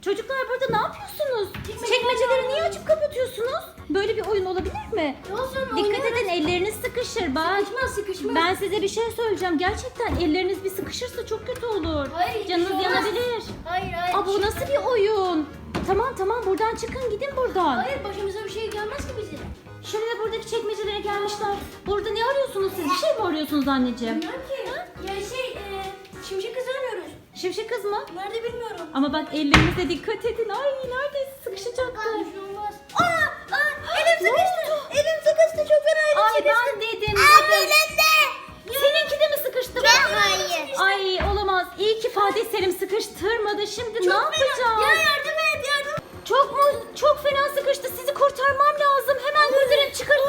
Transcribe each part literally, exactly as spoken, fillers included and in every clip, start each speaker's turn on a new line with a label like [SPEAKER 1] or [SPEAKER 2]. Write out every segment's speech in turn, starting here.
[SPEAKER 1] Çocuklar burada ne yapıyorsunuz?
[SPEAKER 2] Çekmece
[SPEAKER 1] Çekmeceleri niye
[SPEAKER 2] oynuyoruz.
[SPEAKER 1] açıp kapatıyorsunuz? Böyle bir oyun olabilir mi?
[SPEAKER 2] Olsun,
[SPEAKER 1] Dikkat edin, elleriniz sıkışır bak.
[SPEAKER 2] Sıkışmaz sıkışmaz.
[SPEAKER 1] Ben size bir şey söyleyeceğim. Gerçekten elleriniz bir sıkışırsa çok kötü olur.
[SPEAKER 2] Hayır,
[SPEAKER 1] Canınız
[SPEAKER 2] bir şey olmaz.
[SPEAKER 1] yanabilir.
[SPEAKER 2] Hayır hayır.
[SPEAKER 1] Aa, bu nasıl bir oyun? Tamam tamam, buradan çıkın, gidin buradan.
[SPEAKER 2] Hayır, başımıza bir şey gelmez ki bizim.
[SPEAKER 1] Şimdi de buradaki çekmecelere gelmişler. Burada ne arıyorsunuz siz? Bir şey mi arıyorsunuz anneciğim?
[SPEAKER 2] Bilmiyorum ki. Ya şey, e, şimşek kızı arıyoruz.
[SPEAKER 1] Şimşek kız mı?
[SPEAKER 2] Nerede bilmiyorum.
[SPEAKER 1] Ama bak, ellerinize dikkat edin. Ay, neredeyse sıkışacaktı.
[SPEAKER 2] Bir şey olmaz. Aa, aa, elim sıkıştı. Elim sıkıştı, çok fena elim
[SPEAKER 1] Ay,
[SPEAKER 2] sıkıştı.
[SPEAKER 1] ben dedim.
[SPEAKER 2] Aa,
[SPEAKER 1] dedim.
[SPEAKER 2] benim de.
[SPEAKER 1] Seninki de mi sıkıştı?
[SPEAKER 2] Ben hayır.
[SPEAKER 1] Ay, olamaz. İyi ki Fatih Selim sıkıştırmadı. Şimdi ne yapacağız?
[SPEAKER 2] Ya yardım et yardım.
[SPEAKER 1] Çok mu? Çok fena sıkıştı. Sizi kurtarmam lazım. Hemen kurtarın, çıkarın.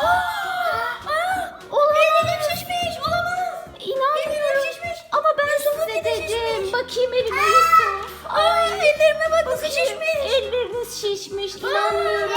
[SPEAKER 1] Olamaz.
[SPEAKER 2] Elim şişmiş, olamaz.
[SPEAKER 1] İnanmıyorum.
[SPEAKER 2] Elim şişmiş.
[SPEAKER 1] Ama ben
[SPEAKER 2] Yusuf'un
[SPEAKER 1] size
[SPEAKER 2] bir de
[SPEAKER 1] dedim.
[SPEAKER 2] şişmiş.
[SPEAKER 1] Bakayım elime Yusuf.
[SPEAKER 2] Ay, ellerime bak, nasıl
[SPEAKER 1] Bakayım.
[SPEAKER 2] şişmiş.
[SPEAKER 1] Elleriniz şişmiş. İnanmıyorum.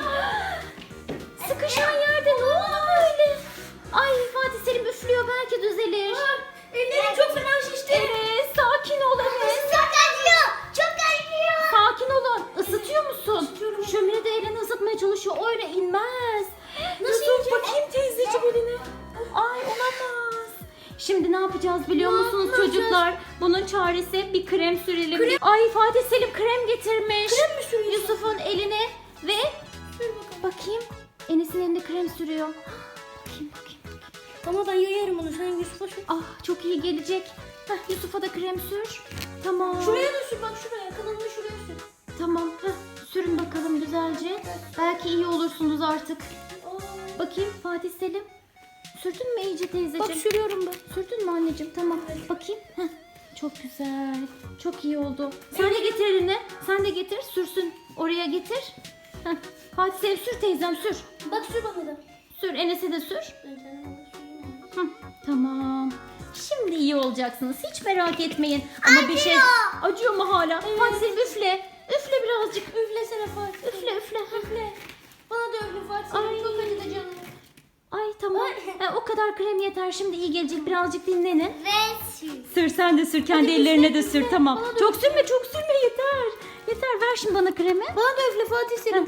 [SPEAKER 1] Sıkışan yerde ne oldu böyle? Ay, Fatih Selim üflüyor. Belki düzelir.
[SPEAKER 2] Ellerim çok fena şişti.
[SPEAKER 1] Evet, sakin ol evet.
[SPEAKER 2] Çok acıyor. Çok acıyor.
[SPEAKER 1] Sakin olun. Isıtıyor musun?
[SPEAKER 2] Isıtıyorum.
[SPEAKER 1] Şömine de elini ısıtmaya çalışıyor. Öyle inmez.
[SPEAKER 2] Nasıl
[SPEAKER 1] Yusuf,
[SPEAKER 2] inecek?
[SPEAKER 1] bakayım teyzeciğim eline. Ay, olamaz. Şimdi ne yapacağız biliyor
[SPEAKER 2] Ne
[SPEAKER 1] musunuz
[SPEAKER 2] yapacağız?
[SPEAKER 1] çocuklar? Bunun çaresi bir krem sürelim.
[SPEAKER 2] Krem-
[SPEAKER 1] Ay, Fatih Selim krem getirmiş.
[SPEAKER 2] Krem mi sürüyorsun?
[SPEAKER 1] Yusuf'un eline ve
[SPEAKER 2] Sür bakalım.
[SPEAKER 1] bakayım. Enes'in elinde krem sürüyor. Bakayım bakayım.
[SPEAKER 2] Tamam, ben yayarım onu. Sen Yusuf'a sür.
[SPEAKER 1] Ah, çok iyi gelecek. Heh, Yusuf'a da krem sür. Tamam.
[SPEAKER 2] Şuraya da sür, bak şuraya. Kanalını şuraya sür.
[SPEAKER 1] Tamam. Heh, sürün bakalım güzelce. Belki iyi olursunuz artık.
[SPEAKER 2] Aa.
[SPEAKER 1] Bakayım Fatih Selim. Sürdün mü iyice teyzeciğim?
[SPEAKER 2] Bak, sürüyorum ben.
[SPEAKER 1] Sürdün mü anneciğim? Tamam. Bakayım. Heh. Çok güzel. Çok iyi oldu. Sen de getir elini. Sen de getir. Sürsün. Oraya getir. Heh. Fatih Selim sür teyzem, sür.
[SPEAKER 2] Bak, sür bana da.
[SPEAKER 1] Sür. Enes'e de sür.
[SPEAKER 2] Ben kendime de süreyim.
[SPEAKER 1] Hı, tamam. Şimdi iyi olacaksınız. Hiç merak etmeyin. Ama bir şey acıyor mu hala? Fatih Selim üfle. Üfle birazcık.
[SPEAKER 2] Üflesene Fatih.
[SPEAKER 1] Üfle üfle.
[SPEAKER 2] Üfle. Bana da üfle Fatih.
[SPEAKER 1] Ay.
[SPEAKER 2] Ay. Çok acıdı canım.
[SPEAKER 1] Ay tamam. E, o kadar krem yeter. Şimdi iyi gelecek. Birazcık dinlenin.
[SPEAKER 2] Ve sür.
[SPEAKER 1] Sür, sen de sür. Kendi
[SPEAKER 2] Hadi
[SPEAKER 1] ellerine
[SPEAKER 2] üfle,
[SPEAKER 1] de sür.
[SPEAKER 2] üfle.
[SPEAKER 1] Tamam.
[SPEAKER 2] Bana da
[SPEAKER 1] Çok
[SPEAKER 2] üfle.
[SPEAKER 1] sürme, çok sürme, yeter. Yeter. Ver şimdi bana kremi.
[SPEAKER 2] Bana da üfle Fatih Selim.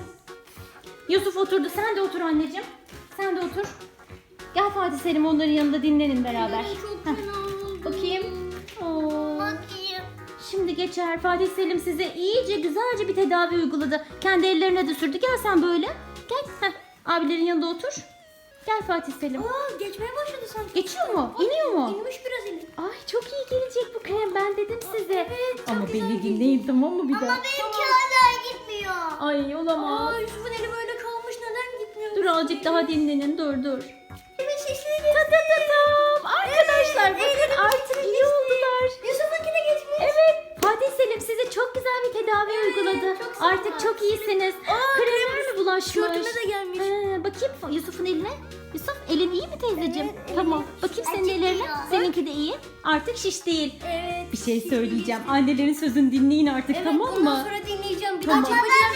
[SPEAKER 1] Yusuf oturdu. Sen de otur anneciğim. Sen de otur. Gel Fatih Selim, onların yanında dinlenin beraber.
[SPEAKER 2] Ay, çok
[SPEAKER 1] Heh.
[SPEAKER 2] fena oldu.
[SPEAKER 1] Bakayım. Oo.
[SPEAKER 2] Bakayım.
[SPEAKER 1] Şimdi geçer. Fatih Selim size iyice güzelce bir tedavi uyguladı. Kendi ellerine de sürdü. Gel sen böyle. Gel. Heh. Abilerin yanında otur. Gel Fatih Selim.
[SPEAKER 2] Aa, geçmeye başladı sanki.
[SPEAKER 1] Geçiyor mu?
[SPEAKER 2] Ay,
[SPEAKER 1] İniyor mu?
[SPEAKER 2] İnmiş biraz eli.
[SPEAKER 1] Ay, çok iyi gelecek bu krem. Ben dedim size.
[SPEAKER 2] Evet, çok
[SPEAKER 1] Ama
[SPEAKER 2] güzel
[SPEAKER 1] beni
[SPEAKER 2] gelecek.
[SPEAKER 1] dinleyin, tamam mı bir daha?
[SPEAKER 2] benimki hala gitmiyor.
[SPEAKER 1] Ay, olamaz.
[SPEAKER 2] Aa, Yusuf'un eli böyle kalmış. Neden gitmiyor?
[SPEAKER 1] Dur azıcık daha dinlenin. Dur dur.
[SPEAKER 2] Evet, şişleri.
[SPEAKER 1] Ta ta ta tam. Arkadaşlar
[SPEAKER 2] Evet,
[SPEAKER 1] bakın
[SPEAKER 2] ellerim
[SPEAKER 1] artık
[SPEAKER 2] geçmiş.
[SPEAKER 1] iyi oldular.
[SPEAKER 2] Yusuf'unkine geçmiş.
[SPEAKER 1] Evet. Fatih Selim size çok güzel bir tedavi uyguladı.
[SPEAKER 2] çok sağ ol.
[SPEAKER 1] Artık çok iyisiniz.
[SPEAKER 2] Aa,
[SPEAKER 1] Kremler mi bulaşmış?
[SPEAKER 2] Tişörtüme de gelmiş.
[SPEAKER 1] He, bakayım Yusuf'un eline. Yusuf, elin iyi mi teyzeciğim?
[SPEAKER 2] Evet, elim
[SPEAKER 1] Tamam.
[SPEAKER 2] iyi.
[SPEAKER 1] Bakayım senin
[SPEAKER 2] Acıtıyor.
[SPEAKER 1] ellerine. Seninki de iyi. Artık şiş değil.
[SPEAKER 2] Evet.
[SPEAKER 1] Bir şey söyleyeceğim. Annelerin sözünü dinleyin artık,
[SPEAKER 2] Evet,
[SPEAKER 1] tamam
[SPEAKER 2] bundan
[SPEAKER 1] mı?
[SPEAKER 2] sonra dinleyeceğim. Bir
[SPEAKER 1] Tamam.
[SPEAKER 2] daha çekmeyeceğim.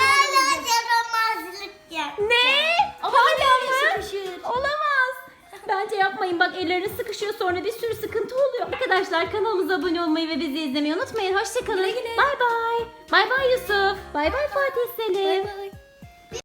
[SPEAKER 1] Ne?
[SPEAKER 2] Ama
[SPEAKER 1] Hala mı?
[SPEAKER 2] sıkışır.
[SPEAKER 1] Olamaz. Bence yapmayın, bak elleriniz sıkışıyor, sonra bir sürü sıkıntı oluyor. Arkadaşlar kanalımıza abone olmayı ve bizi izlemeyi unutmayın. Hoşçakalın.
[SPEAKER 2] Güle güle.
[SPEAKER 1] Bay bay. Bay bay Yusuf. Bay bay Fatih Selim.
[SPEAKER 2] Bay bay.